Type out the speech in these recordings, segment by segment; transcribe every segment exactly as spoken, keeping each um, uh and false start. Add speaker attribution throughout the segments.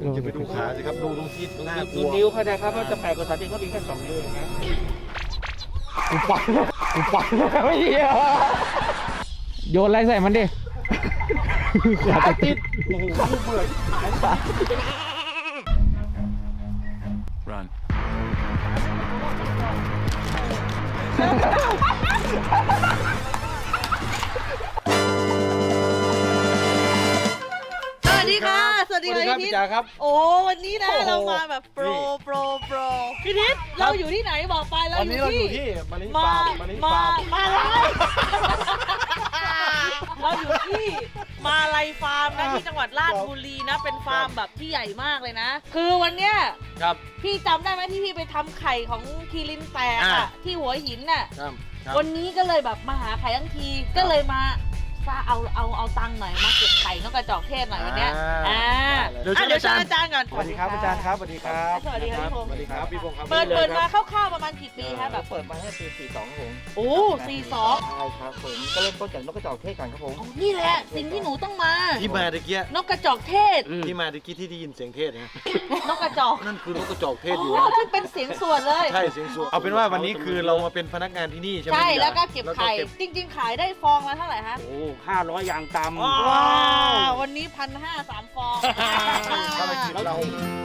Speaker 1: จะไปดูขาสิครับดูตรงที่หน้ากลั
Speaker 2: ดู
Speaker 1: ว
Speaker 2: นิ้วเขาได้ครับว่าจะแปลกกว่าสัตว์ที่เขามีแค่สองนิ้วนะ
Speaker 3: กูปังกูปังไม่เหี้ยโยนอะไรใส่มันดิขาติด
Speaker 1: โอ้โหเบื่อหายไป
Speaker 4: Run.
Speaker 5: สวัสดีค่ะ สวัสดี
Speaker 1: สวัสดีครับ
Speaker 5: ค่ะพี่
Speaker 1: พี่
Speaker 5: ทิศ
Speaker 1: จ๋าครับ
Speaker 5: โอ้วันนี้นะ
Speaker 1: โอ้โห
Speaker 5: เรามาแบบโปร
Speaker 1: นี่
Speaker 5: โปรโปรพี่ทิศเราอยู่ที่ไหนบอกไปเรา
Speaker 1: ตอน
Speaker 5: อ
Speaker 1: นี้
Speaker 5: ยู่
Speaker 1: เราอยู่
Speaker 5: ที่
Speaker 1: ที่มานิ
Speaker 5: มา
Speaker 1: ฟาร์มมานิ
Speaker 5: มา
Speaker 1: ฟาร์ม
Speaker 5: มาลายเราอยู่ที่มาลายฟาร์มนะที่จังหวัดราชบุรีนะเป็นฟาร์มแบบที่ใหญ่มากเลยนะ คือวันเนี้ย
Speaker 1: ครับ
Speaker 5: พี่จำได้ไหมที่พี่ไปทำไข่ของคีรินแตก
Speaker 1: อ่า
Speaker 5: อะที่หัวหินน่ะ
Speaker 1: ครับครับ
Speaker 5: วันนี้ก็เลยแบบมาหาไข่ทั้งทีก็เลยมาซาเอาเอาเอาตังค์หน่อยมาเก็บไข่นกกระจอกเทศหน่อยวันเนี้ยอ่า
Speaker 1: เดี๋ยว
Speaker 5: อ่ะ
Speaker 1: เชิญ
Speaker 5: เดี๋ยวเชิญ
Speaker 1: อา
Speaker 5: อา
Speaker 1: จา
Speaker 5: จาร รย์ก่อน
Speaker 1: สวัสดีครับอาจารย์ครับสวัสดีครับ
Speaker 5: สวัสดีครับพี่พงศ์
Speaker 1: สวัสดีครับพี่พงศ์ครับ
Speaker 5: เปิด
Speaker 1: ลย
Speaker 5: เปิดมา
Speaker 1: ครับ
Speaker 5: คร่าวๆประมาณกี่ปีคะแบบ
Speaker 2: เปิดมาให้ปีสี่สองครับผม
Speaker 5: โอ้สี่สอง
Speaker 2: ใช่ครับผมก็เริ่มต้นจากนกกระจอกเทศก่อนครับผม
Speaker 5: นี่แหละสิ่งที่หนูต้องมา
Speaker 1: ที่มาตะเกีย
Speaker 5: นกกระจอกเทศ
Speaker 1: ที่มาตะกี้ที่ได้ยินเสียงเทศนะ
Speaker 5: นกกระจอก
Speaker 1: นั่นคือนกกระจอกเทศอยู่
Speaker 5: โอ้
Speaker 1: นะ
Speaker 5: ที่เป็นเสียงส่วนเลย
Speaker 1: ใช่เสียงสูงเอาเป็นว่าวันนี้คือเรามาเป็นพนักงานที่นี่ใช่ไหม
Speaker 5: ใช่
Speaker 1: พี่จ๋า
Speaker 5: แล้วก็เก็บไข่
Speaker 1: แล้ว
Speaker 5: จริง ๆ ขายได้ฟองละเท่าไหร่ฮะ
Speaker 2: โอ้ห้าร้อยอย่างต่ำ
Speaker 5: ว้าววันนี้พันห้าสามฟอง
Speaker 1: ถ้าไม่คิดเรา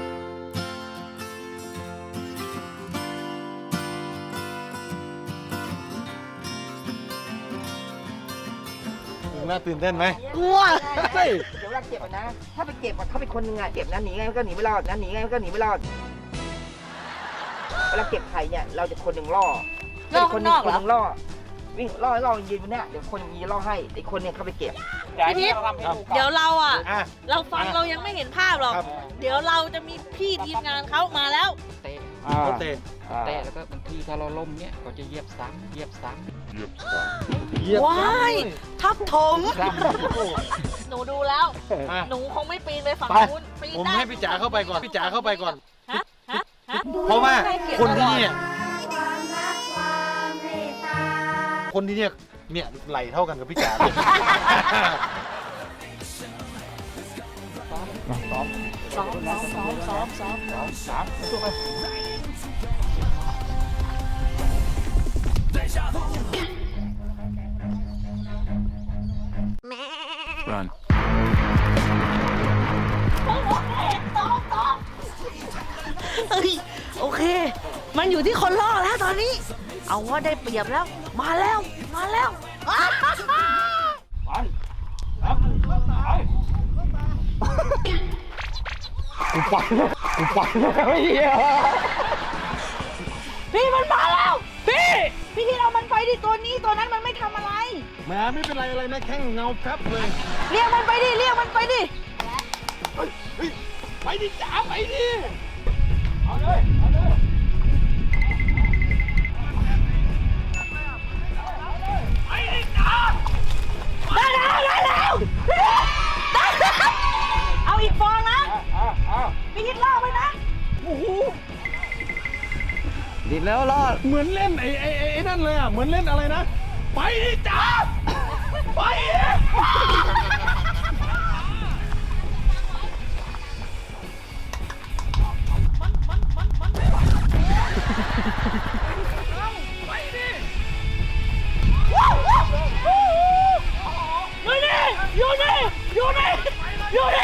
Speaker 1: น่าตื่นเต้นไหม
Speaker 5: กลัว
Speaker 1: เฮ้ย
Speaker 6: เดี๋ยวเวลาเก็บอะนะ ถ้าไปเก็บอะเขาเป็นคนหนึงอะเก็บนะหนีไงมันก็หนีไม่รอดนะหนีไงมันก็หนีไม่รอด เวลาเก็บไข่เนี่ยเราจะคนหนึ่งล่อ
Speaker 5: ล่อ
Speaker 6: คน
Speaker 5: ข้าง
Speaker 6: ห
Speaker 5: น
Speaker 6: นึ่
Speaker 5: อง ก
Speaker 6: ค
Speaker 5: เหรอ
Speaker 6: นหนึ่งล่อ วิ่งล่อให้ล่อยืนบนเนี้ยเดี๋ยวคนอย่างนี้ล่อให้อีกคนเนี่ยเข้าไปเก็บ
Speaker 5: พี่ทิพย์เดี๋ยวเราอ่ะ
Speaker 1: อ่ะ
Speaker 5: เราฟังเรายังไม่เห็นภาพหรอก
Speaker 1: ครับ
Speaker 5: เดี๋ยวเราจะมีพี่ทีมงานเขามาแล้ว
Speaker 7: เตะ
Speaker 1: เขาเตะ
Speaker 7: เตะแล้วก็บางทีถ้าเราล้มเนี้ยก็จะเหยียบซ้ำเหยียบซ้
Speaker 1: เหยียบ
Speaker 5: ว้ายทับถม
Speaker 7: ำซ้
Speaker 5: หนูดูแล้ว
Speaker 1: อ่ะ
Speaker 5: หนูคงไม่ปีนไปฝั่ง
Speaker 1: ไป
Speaker 5: นู้นปีน
Speaker 1: ผม
Speaker 5: ได้
Speaker 1: ให้พี่จ๋าเข้าไปก่อนพี่จ๋าเข้าไปก่อน
Speaker 5: ฮะฮะฮะ
Speaker 1: เพราะว่า
Speaker 5: ให้เกียรติ
Speaker 1: คนที่
Speaker 5: ตลอด
Speaker 1: เนี่ยคนที่เนี่ยเนี่ยไหลเท่ากันกับพี่จ๋าเลย
Speaker 5: ซ้อมซ้อมซ้อมซ้อมซ้อมซ้อม
Speaker 1: สามตัวไป
Speaker 4: Run.
Speaker 5: เฮ้ยโอเค มันอยู่ที่คนล่อแล้วตอนนี้ เอาว่าได้เปรียบแล้ว มาแล้ว มาแล้วอ้าว
Speaker 3: กูปังกูปังไม่เหี้ย
Speaker 5: พี่มันมาแล้ว พี่ พี่ที่เรามันไปดิตัวนี้ตัวนั้นมันไม่ทำอะไร
Speaker 1: แหมไม่เป็นไรอะไรนะแค่เงาแป๊บเลย
Speaker 5: เรียกมันไปดิ เรียกมันไปดิ
Speaker 1: เฮ้ยเฮ้ยไปดิจ๋าไปดิ
Speaker 5: ได้แล้วได้แล้วได้แล้วเอาอีกฟองนะพี่ทิศล่อไปนะ
Speaker 3: ดิดแล้วรอด
Speaker 1: เหมือนเล่นไอ้ไอ้ไอ้ไอ้นั่นเลยอ่ะเหมือนเล่นอะไรนะไปดิจ๋าไปดิไปดิ
Speaker 5: อยู่นี่อยู่นี่อยู่นี่อยู่นี่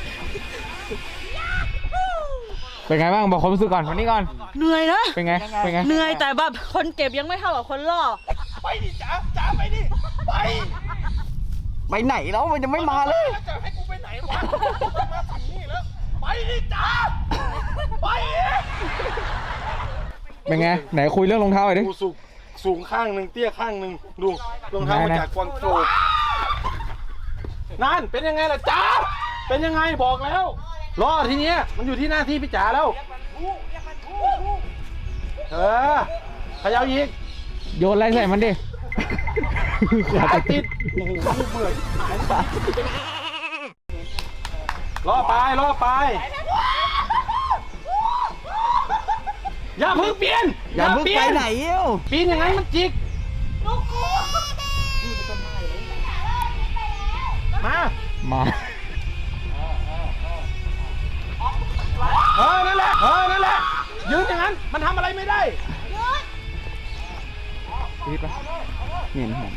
Speaker 3: เป็นไงบ้างบอกความรู้สึกก่อนวันนี้ก่อน
Speaker 5: เหนื่อยนะ
Speaker 3: เป็นไงเป็นไง
Speaker 5: เหนื่อยแต่แบบคนเก็บยังไม่เท่ากับคนล่อ
Speaker 1: ไปดิจ๋าจ๋าไปดิไป
Speaker 6: ไปไหนแล้วมันจะไม่มาเลย
Speaker 1: แล้วจะให้กูไปไหนวะมาถึงนี่แล้วไปดิจ๋าไปดิ
Speaker 3: เป็นไงไหนคุยเรื่องรองเท้าหน่อยดิ
Speaker 1: ดูสูงสูงข้างหนึ่งเตี้ยข้างหนึ่งดูรองเท้ามาจากกวางโจวนั่นเป็นยังไงล่ะจ๋าเป็นยังไงบอกแล้วรอทีเนี้ยมันอยู่ที่หน้าที่พี่จ๋าแล้วเออพยายามยิง
Speaker 3: โยนอะไรใส่มันดิ
Speaker 1: ขาติดโอ้โหเบื่อหายไปล่อไปล่อไปอย่าเพิ่งเปลี่ยน
Speaker 6: อย่าเพิ่ง
Speaker 1: เปลี่
Speaker 6: ไป
Speaker 1: ยน
Speaker 6: ไหนเอ้ว
Speaker 1: ปีนอย่างนั้นมันจิกมา
Speaker 3: มา
Speaker 1: ยืนอย่างนั้นมันทำอะไรไม่ได้
Speaker 3: รีบปะเหม็นหอม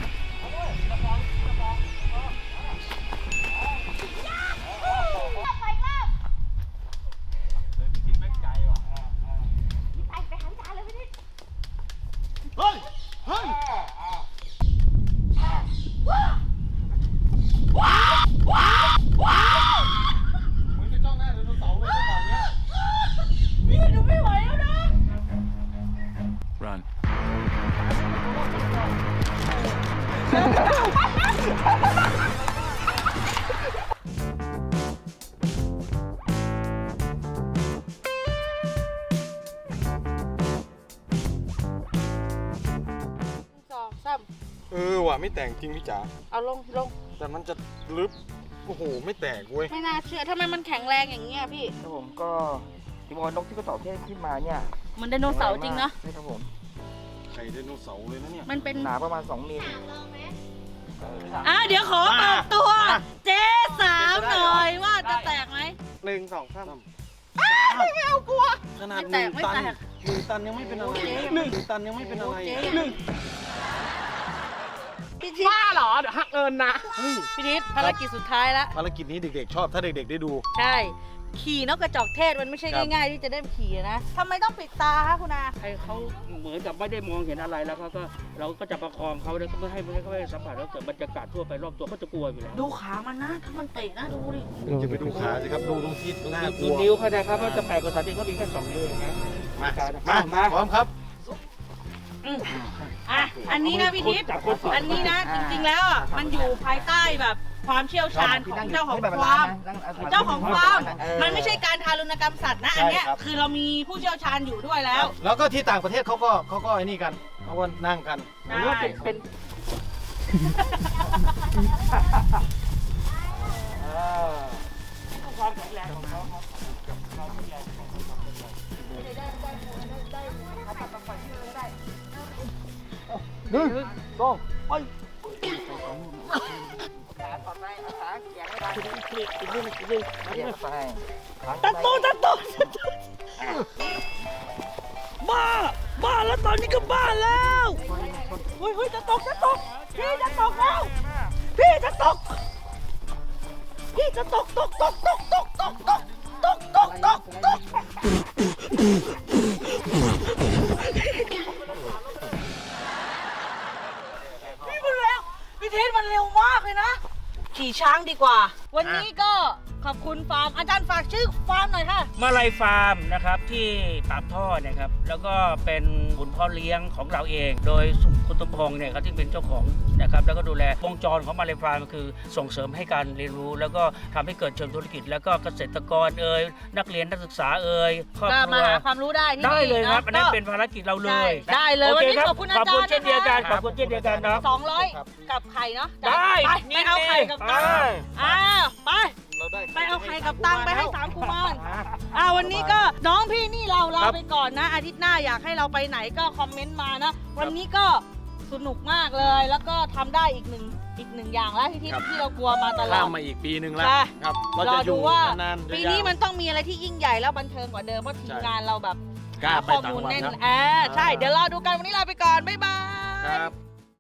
Speaker 1: เฮ้ย เฮ้ย มึงจะจ้องหน้าไดโนเสาร์เลยจังหวะเนี้ย
Speaker 4: Run.
Speaker 5: สองสาม
Speaker 1: เออว่ะไม่แต่งจริงพี่จ๋า
Speaker 5: เอาลงลง
Speaker 1: แต่มันจะลึบ โอ้โห ไม่แตกเว้ย
Speaker 5: ไม่น่าเชื่อทำไมมันแข็งแรงอย่างเงี้ยพี่
Speaker 2: ครับผมก็ที่ว่านกที่กระจอกเทศขึ้นมาเนี่ย
Speaker 5: มันไดโนเสาร์จริงเนาะ
Speaker 2: ใช่ครับผม
Speaker 1: ไข่ไดโนเสาร์เลยนะเนี่ย
Speaker 5: มันเป็น
Speaker 2: หนาประมาณสองมิล
Speaker 5: อ่ะเดี๋ยวขอเปิดตัว เจ๊สาวหน่อยว่าจะแตกไหม
Speaker 1: หนึ่งสองสาม
Speaker 5: ไม่เอากลัว
Speaker 1: ขนาด
Speaker 5: ไม่
Speaker 1: ห
Speaker 5: แต
Speaker 1: นึ่
Speaker 5: ก
Speaker 1: ง
Speaker 5: ไม่
Speaker 1: ตัน
Speaker 5: แตก
Speaker 1: หนึ่งตันยังไม่เป็นอะไร
Speaker 5: โอ้เจ๊
Speaker 1: หนึ่งตันยังไม่เป็นอะไร
Speaker 5: โอ้เจ๊
Speaker 1: หนึ่ง
Speaker 5: พี่ทิศบ้าเหรอเดี๋ยวหักเอินนะพี่ทิศภารกิจสุดท้ายแล้ว
Speaker 1: ภารกิจนี้เด็กๆ ชอบถ้าเด็กๆ ได้ดู
Speaker 5: ใช่ ขี่นกกระจอกเทศมันไม่ใช่
Speaker 1: ครับ
Speaker 5: ง่ายๆที่จะได้ขี่นะทำไมต้องปิดตาคะคุณอา
Speaker 2: ให้เขาเหมือนกับไม่ได้มองเห็นอะไรแล้วเขาก็เราก็จะประคองเขาแล้วก็ไม่ให้ไม่ให้เขาไปสัมผัสแล้วเกิดบรรยากาศทั่วไปรอบตัวเขาจะกลัวอยู่แล้ว
Speaker 5: ดูขามันนะ ถ้ามันเตะนะดูดิ
Speaker 1: จะไปดูขาสิครับ ดูตรงที่น่าก
Speaker 2: ดู
Speaker 1: ลัว
Speaker 2: นิ้วเขานะครับว่าจะแปลกกว่าสัตว์ที่เขามีแค่สองนิ้วเองนะ
Speaker 1: มามามาพร้อมครับ
Speaker 5: อืมอ่ะ อันนี้นะพี่ทิพย์
Speaker 2: จับคนสอง
Speaker 5: อันนี้นะ จริงๆแล้วอ่ะมันอยู่ภายใต้แบบความเชี่ยวชาญของเจ้าของฟาร์ม เจ้าของฟาร์ม มันไม่ใช่การทารุณกรรมสัตว์นะ อันเนี้ย
Speaker 1: ใช่ครับ
Speaker 5: คือเรามีผู้เชี่ยวชาญอยู่ด้วยแล้ว
Speaker 1: แล้วก็ที่ต่างประเทศเขาก็เขาก็ไอ้นี่กันเขาก็นั่งกัน
Speaker 5: ได้
Speaker 2: หรือว่าเป็นเป็น ความแข็งแรงของเขาครับ
Speaker 1: หนึ่งสองไป
Speaker 5: ตัดโตตัดโตบ้า บ้าแล้วตอนนี้ก็บ้าแล้วเฮ้ยเฮ้ยจะตกจะตก พี่จะตกแล้ว พี่จะตก พี่จะตกตกตกตกตกตกตกตกตกตกตกพี่มันเร็วพี่เทสมันเร็วมากเลยนะ ขี่ช้างดีกว่า วันนี้ก็ขอบคุณฟาร์ม อาจารย์ฝากชื่อฟาร์มหน่อยค่ะ
Speaker 2: มาลายฟาร์มนะครับที่ปากท่อนะครับแล้วก็เป็นขุนพ่อเลี้ยงของเราเอง โดยคุณสมพงษ์เนี่ยเขาที่เป็นเจ้าของนะครับแล้วก็ดูแลวงจรของมาลายฟาร์มก็คือส่งเสริมให้การเรียนรู้ แล้วก็ทำให้เกิดเชิงธุรกิจ แล้วก็เกษตรกรเอ่ยนักเรียนนักศึกษาเอ่ยครอบ
Speaker 5: ก็
Speaker 2: ครั
Speaker 5: มาว หาความรู้ได้ที่
Speaker 2: ได้เลยครับ
Speaker 5: ะ
Speaker 2: อันนั้น
Speaker 5: ก็
Speaker 2: เป็นภารกิจเราเลย
Speaker 5: ได้ได้เลย
Speaker 2: โอ
Speaker 5: วัน
Speaker 2: เค
Speaker 5: นี้
Speaker 2: ครับ
Speaker 5: ขอบคุณอา
Speaker 2: ขอบ
Speaker 5: จาร
Speaker 2: คุณ
Speaker 5: ย์
Speaker 2: เช่นเดียวกัน
Speaker 5: นะ
Speaker 2: ขอบคุณเช่นเดียวกันเนาะ
Speaker 5: สองร้อยกับไข่เนาะ
Speaker 2: ได้
Speaker 5: ไปไปเอาไข่กับตังค์
Speaker 2: ได้
Speaker 5: อ่าไป
Speaker 1: เราได้
Speaker 5: ไปเอาไข่กับตังค์ไปให้สามกุมารอ่าวันนี้ก็น้องพี่นี่เราลาไปก่อนนะ อาทิตย์หน้าอยากให้เราไปไหนก็คอมเมนต์มานะ วันนี้ก็สนุกมากเลย แล้วก็ทำได้อีกหนึ่งอีกหนึ่งอย่างแล้วที่ที่ที่เรากลัวมาตลอ
Speaker 1: ข้า
Speaker 5: ด
Speaker 1: มมาอีกปีหนึ่งแล้ว
Speaker 5: ใช่
Speaker 1: ครับ เรา
Speaker 5: ร
Speaker 1: จะ
Speaker 5: อ
Speaker 1: อ
Speaker 5: ดู
Speaker 1: ยู่
Speaker 5: ว่า
Speaker 1: นานๆ
Speaker 5: ปี
Speaker 1: ยาวๆ
Speaker 5: นี้มันต้องมีอะไรที่ยิ่งใหญ่แล้วบันเทิงกว่าเดิมเพราะทีมงานเราแบบ
Speaker 1: กล้า
Speaker 5: หา
Speaker 1: ไป
Speaker 5: ข้อ
Speaker 1: ต่าง
Speaker 5: มูล
Speaker 1: จังหวัด
Speaker 5: แน่น
Speaker 1: ครับ
Speaker 5: อ่าใช่ เดี๋ยวรอดูกันวันนี้ลาไปก่อน บ๊ายบาย
Speaker 1: ครับ